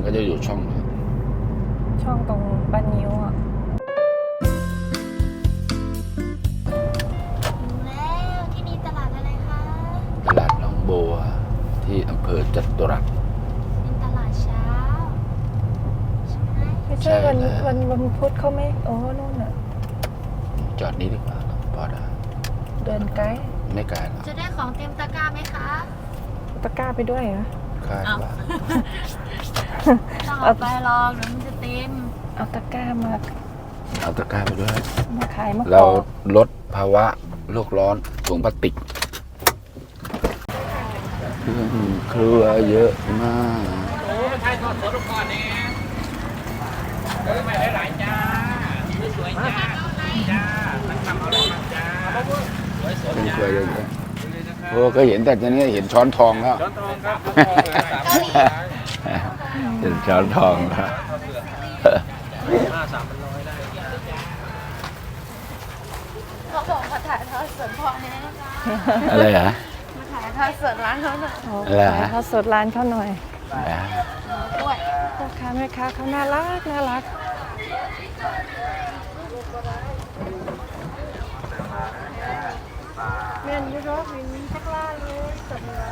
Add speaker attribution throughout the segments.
Speaker 1: ก็จะอยู่ช่องนี้
Speaker 2: ช่องตรงบ้านนิ้วอ่ะ
Speaker 3: แล้วที่นี่ตลาดอะไรคะ
Speaker 1: ตลาดหนองบัวที่อำเภอจตุรัส
Speaker 3: เป็นตลาดเช้าใช่ไหม
Speaker 2: ไม่ใช่วันพุธเขาไม่โอ้นู่นอ่ะ
Speaker 1: จอดนี้ดีกว่าพอได้
Speaker 2: เดินไกล
Speaker 1: ไม่ไกลหรอก
Speaker 3: จะได้ของเต็มตะกร้าไหมคะ
Speaker 2: ตะกร้าไปด้วยเหรอ
Speaker 1: คาดว่า
Speaker 3: ต้องเอาไปลองเดี๋ยวมันจะเต็ม
Speaker 2: เอาตะกร้ามา
Speaker 1: เอาตะกร้าไปด้วย
Speaker 2: ขายมะก
Speaker 1: เรา
Speaker 2: อก
Speaker 1: ลดภาวะโลกร้อนถุงพลาสติกเครื่องครัวเยอะมาก
Speaker 4: โอ้ใช่ทอดสดก่อนเนี่ยไม่ได้หลายจ้าสวยจ้าจ้ามันทำเอาได้มาจ้าสวยสด
Speaker 1: เครื่อง
Speaker 4: จ้า
Speaker 1: ครัวเยอะๆโอ้ก็เห็นแต่ตอนนี้เห็นช้อนทองแล้ว
Speaker 4: ช้อนทองครับช้อนทองเหลือ300
Speaker 1: เห็นช้อนทองแล้ว
Speaker 4: 300ได้
Speaker 3: เขาบอกมาถ่ายทอดสดพอเนี่ย
Speaker 1: อะไรฮะ
Speaker 3: มาถ่ายทอดสดร้านเขาหน่อย
Speaker 2: โอ้
Speaker 1: อะไรฮะ
Speaker 2: ขายข้าวสดร้านเขาหน่อย
Speaker 1: อ่า
Speaker 3: ด้วย
Speaker 2: พ่อค้าแม่ค้าเขาน่ารักแม่นอยูรอกวินทักล่าเลยสดเลย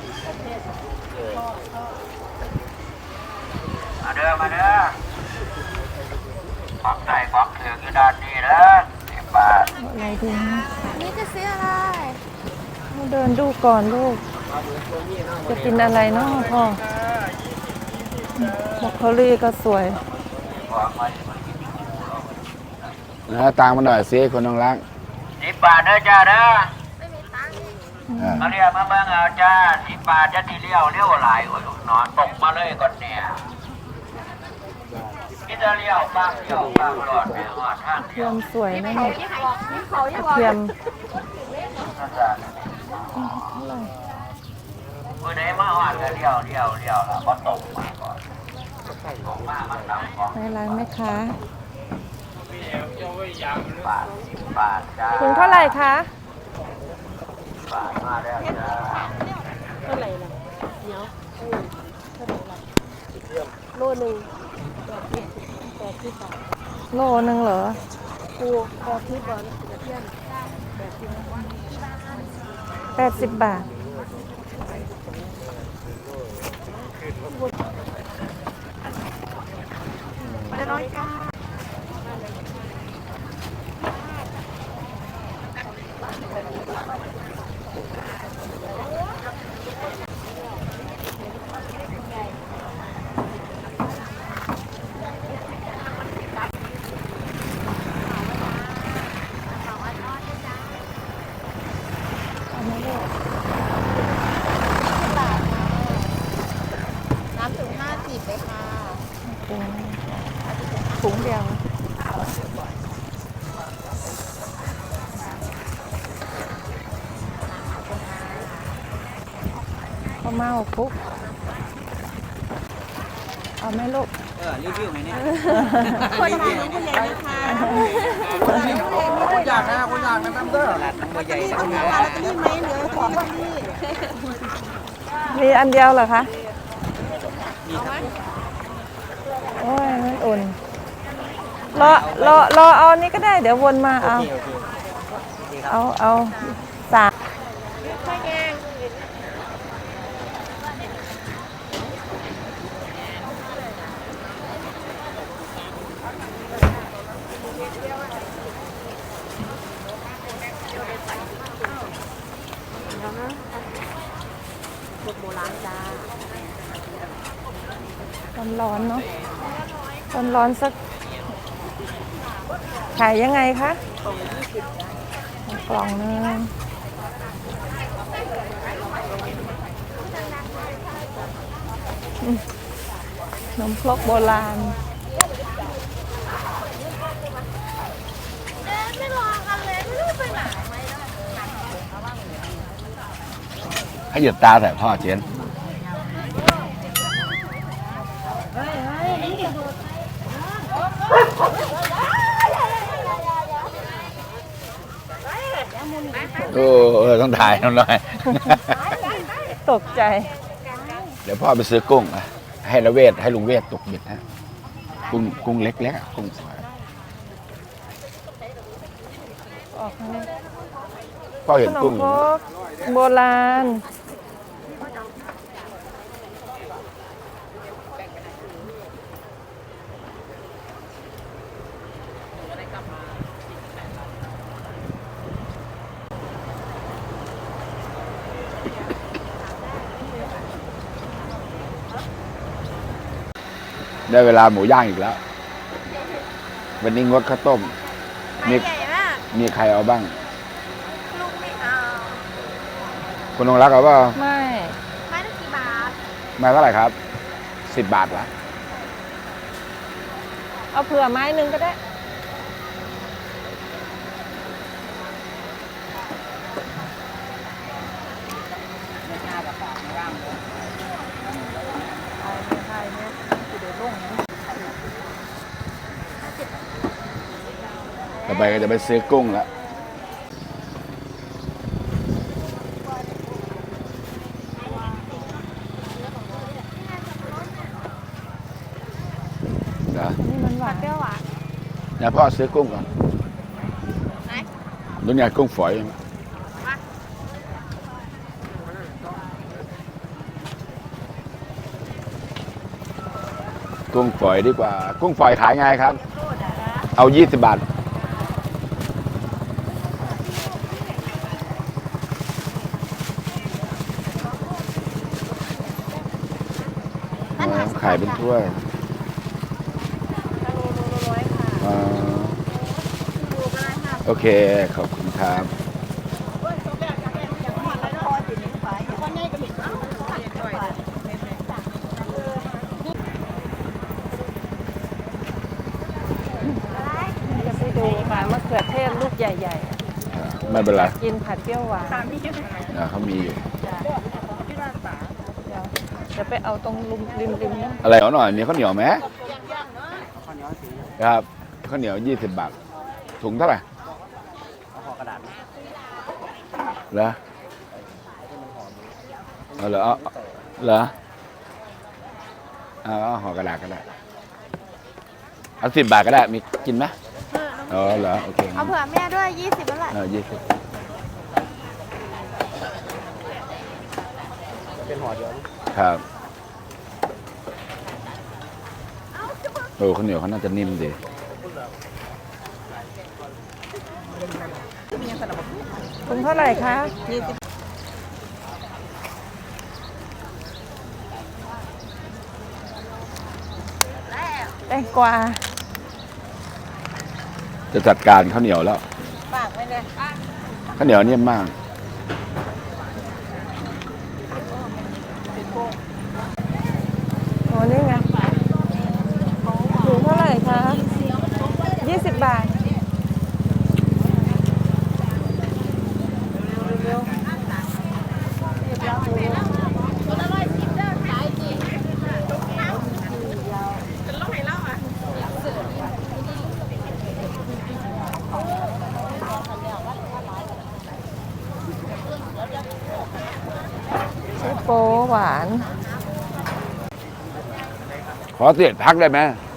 Speaker 4: มาเด้อมาเด้อของใส่ของเถื่อนอยู่ด้านนี้นะ10 บาท
Speaker 2: อะไรดีนะ
Speaker 3: นี่จะซื้ออะไร
Speaker 2: เดินดูก่อนลูก จะกินอะไรเนาะพ่อบรอกโคลีก็สวย
Speaker 1: นะตามมาหน่อยสิคนน้องรัก
Speaker 4: 10 บาทเด้อจ้าเด้อ
Speaker 3: ไม่มีตังค์
Speaker 1: อ่า
Speaker 4: มาเรียกมาเบิ่งเอาจ้า10 บาทจะที่เลี้ยวหลายโอ้ยหนอนตกมาเลยก่อนเนี่ยคิดจะเลี้ยวบ้างหลอดไปหอดทาง
Speaker 2: เที
Speaker 4: เดีย
Speaker 2: ย
Speaker 4: ว
Speaker 2: มสวยนะเนี่ย
Speaker 3: เขา
Speaker 2: กระเทียม
Speaker 4: เมื่อไหนมาหอดก็เลี้ยวแล้วก็ตกมาก่อนตกมามันต่ำก่อน
Speaker 2: ในร้านแม่ค้า
Speaker 4: บาท10 บาทจ้า
Speaker 2: ถุงเท่าไหร่คะ
Speaker 4: บาทมาแล้วจ้า
Speaker 2: โลนึงเหรอ80 บาท
Speaker 3: น้ำถึง50เลยค่ะ
Speaker 2: ถุงเดียวข้าวเม่าคลุกเอาไหมลูก
Speaker 4: รีวิวไหมเนี่ย
Speaker 3: คนไทยผู้ใหญ่นะคะ
Speaker 4: คนอยากนะแม่เด้อร้านน้ำมันใหญ่
Speaker 3: เอาเงินมาแล้วจะนี่ไหมเหลือของที่
Speaker 2: มีอันเดียวเหรอคะโอ้ยมันอุ่นรอเอานี้ก็ได้เดี๋ยววนมาเอาสามร้อนๆเนาะร้อนๆสักขายยังไงคะกล่องนึงนมครกโบราณ
Speaker 3: ไม่รอกันเลยไม่รู้ไปไหน
Speaker 1: ให้หยุดตาแต่พ่อเจน โอ้ต้องถ่ายหน่อย
Speaker 2: ตกใจ
Speaker 1: เดี๋ยวพ่อไปซื้อกุ้งนะให้ละเวทให้ลุงเวทตกเบ็ดฮะกุ้งเล็กๆกุ้งฝอย
Speaker 2: ออกข้างนี้
Speaker 1: ก็เห็
Speaker 2: ข
Speaker 1: น
Speaker 2: นม
Speaker 1: กุ้ง
Speaker 2: ครกโบราณ
Speaker 1: ได้เวลาหมูย่างอีกแล้ว วันนี้งดข้าวต้ม มี
Speaker 3: ใหญ่มาก
Speaker 1: มีใครเอาบ้าง
Speaker 3: ลูกไม่เอา
Speaker 1: คุณนงรักเอาเปล่า
Speaker 2: ไม่
Speaker 3: ไม้ละกี่บาท
Speaker 1: มาเท่าไหร่ครับ10 บาทละ
Speaker 2: เอาเผื่อไม้หนึ่งก็ได้
Speaker 1: ต่อไปก็จะไปซื้อกุ้งแล้วเดี๋ยว
Speaker 2: นี่มันหวาน
Speaker 3: เปรี้ยวหวาน
Speaker 1: เดี๋ยวพ่อซื้อกุ้งก่อน
Speaker 3: ไหน
Speaker 1: นู่นไงกุ้งฝอย กุ้งฝอยดีกว่า กุ้งฝอยขายไงครับ เอา20 บาท ขายเป็นถ้วยโอเค ขอบคุณครับ
Speaker 2: จะไปดูค่ะมะเขือเทศลูกใหญ่
Speaker 1: ไม่เป็นไร
Speaker 2: ๆ กินผัดเปรี้ยวหวาน
Speaker 1: เขามีอยู่
Speaker 2: เดี๋ยวไปเอาตรงริมๆนะ
Speaker 1: อะไรหน่อยมีข้าวเหนียวไหมครับข้าวเหนียว20 บาท ถุงเท่าไหร่ห่อกระดาษเหรอเอาเหรอเหรอเอาห่อกระดาษก็ได้เอา10 บาทก็ได้มีกินไหมอ๋อเหรอโอเค
Speaker 3: เอาเผื่อแม่ด้วย20แล้วแหละ
Speaker 1: 20เป็นห่อเดียวครับโอ้ข้าวเหนียวเขาน่าจะนิ่มดี
Speaker 2: ถุงเท่าไหร่คะแตงกวา
Speaker 1: จะจัดการข้าวเหนียวแล้ว
Speaker 2: ฝากไว้เลย
Speaker 1: ข้าวเหนียวนิ่มมาก
Speaker 2: โอ้นี่ไงถุงเท่าไหร่คะ20 บาท โปหวาน
Speaker 1: ขอเสียดพักได้ไหม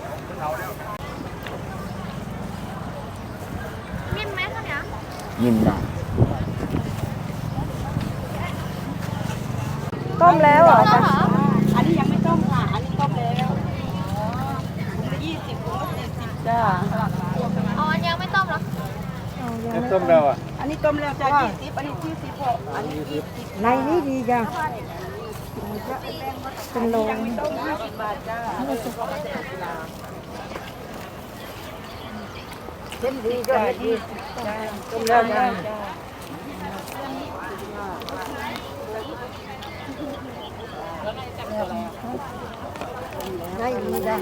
Speaker 3: นิ่มไหมคะเนี่ย
Speaker 1: นิ่มมาก
Speaker 2: ต้มแล้วเหรอ
Speaker 3: ต้
Speaker 2: จ๊ะ
Speaker 3: มเหรอ
Speaker 5: อันนี้ยังไม่ต้มค่ะ อันนี้ต้มแล้ว20
Speaker 2: จ้า
Speaker 3: อ๋ออันยังไม่ต้มเหรอ
Speaker 2: เอายังไม่
Speaker 1: ต้มแล้วอ่ะ
Speaker 5: อันนี้ต้มแล้วจ้ะ20 อันนี้26อันนี้20
Speaker 2: ในนี้ดีจ้ะเป็นโล
Speaker 5: ต้ม20 บาทจ้าเส้นดีจ้ะต้มแล้วจ้าได้ดีจ้ะ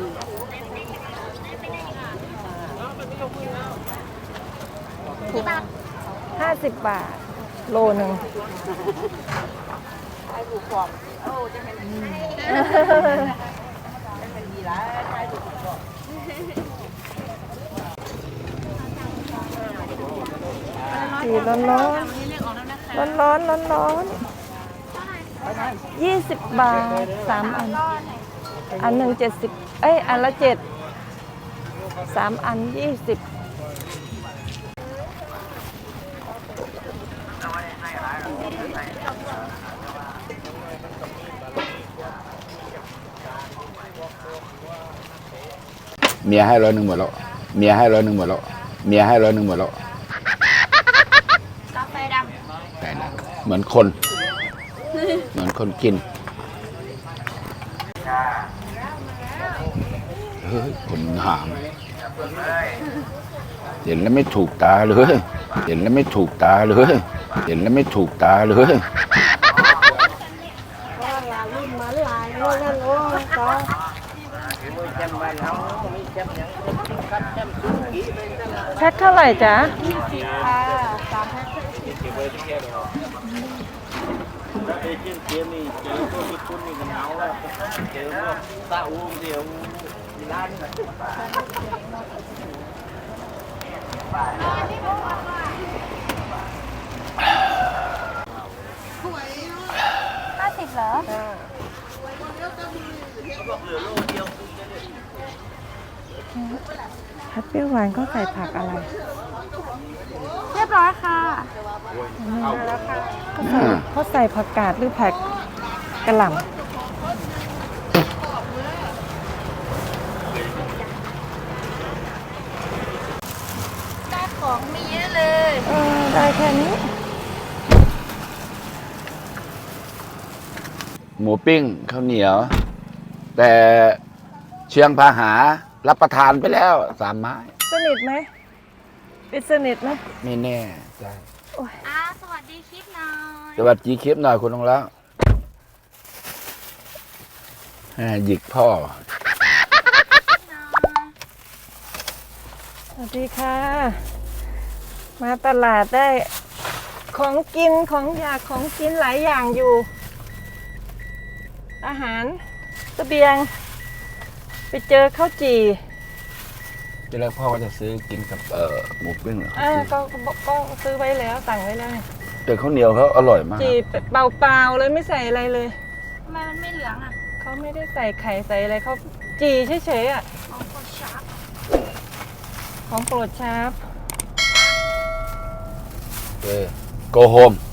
Speaker 3: กี่บาท
Speaker 2: 50 บาท โลหนึ่ง
Speaker 5: ใช้ถูกกว่าโอ้จะเป็นดีละใช้ถูกกว่า
Speaker 2: สีร้อนร้อนร้อนร้อนร้อนร้อน20 บาท 3 อันอันหนึ่ง70 เอ้ย อันละ7 3 อัน 20
Speaker 1: เมียให้100หมดแล้วเมียให้100หมดแล้วเมียให้100หมดแล้ว
Speaker 3: กาแฟด
Speaker 1: แต่ละเหมือนคน เหมือนคนกินเฮ้ยคนหามเห็นแล้วไม่ถูกตาเลยเห็นแล้วไม่ถูกตาเลยเห็นแล้วไม่ถูกตาเลย
Speaker 5: รุ่นมาหลายโลนั่นโอ้ต่อจำบ้านเขามีจำยังกับจำสุกี้เลยนั่นแหละ
Speaker 2: แพ็คเท่าไหร่จ๊ะ
Speaker 5: ค่ะ3 แพ็คเก็บไว้ที่แค่เดียวแล้วเอเจนต์เกมนี่เจอพวกที่คุณนี่กันเอาแล้วเจอพวกซาอูเดียวร้าน
Speaker 3: 50เหรอ
Speaker 2: ผัดเปรี้ยวหวานเขาใส่ผักอะไร
Speaker 3: เรียบร้อยค่ะ
Speaker 2: เขาใส่ผักกาดหรือผักกระหล่ำ
Speaker 3: ได้ของมีเยอะเลย
Speaker 2: ได้แค่นี้
Speaker 1: หมูปิ้งข้าวเหนียว แต่เชียงพาหารับประทานไปแล้ว3 ไม้
Speaker 2: สนิทไหมปิดสนิทไหม
Speaker 1: ไม่แน่ใจ
Speaker 3: สวัสดีคลิปหน่อย
Speaker 1: สวัสดีคลิปหน่อยคุณน้องแล้วหยิกพ่อ
Speaker 2: สวัสดีค่ะ มาตลาดได้ของกินของอยากของกินหลายอย่างอยู่ อาหารเสบียง ไปเจอข้าวจี่
Speaker 1: ทีแรกพ่อก็จะซื้อกินกับหมูปิ้งเหรอ
Speaker 2: ก็ซื้อไว้แล้วสั่งไว้แล้วเนี่ย
Speaker 1: แต่ข้าวเหนียวเขาอร่อยมาก
Speaker 2: จี่เปล่าๆเลยไม่ใส่อะไรเลย
Speaker 3: ทำไมมันไม่เหลืองอ่ะ
Speaker 2: เขาไม่ได้ใส่ไข่ใส่อะไรเขาจี่เฉยๆอ่ะ
Speaker 3: ของกดชาร์ป
Speaker 2: ของโปรดชาร์ป
Speaker 1: โกโฮม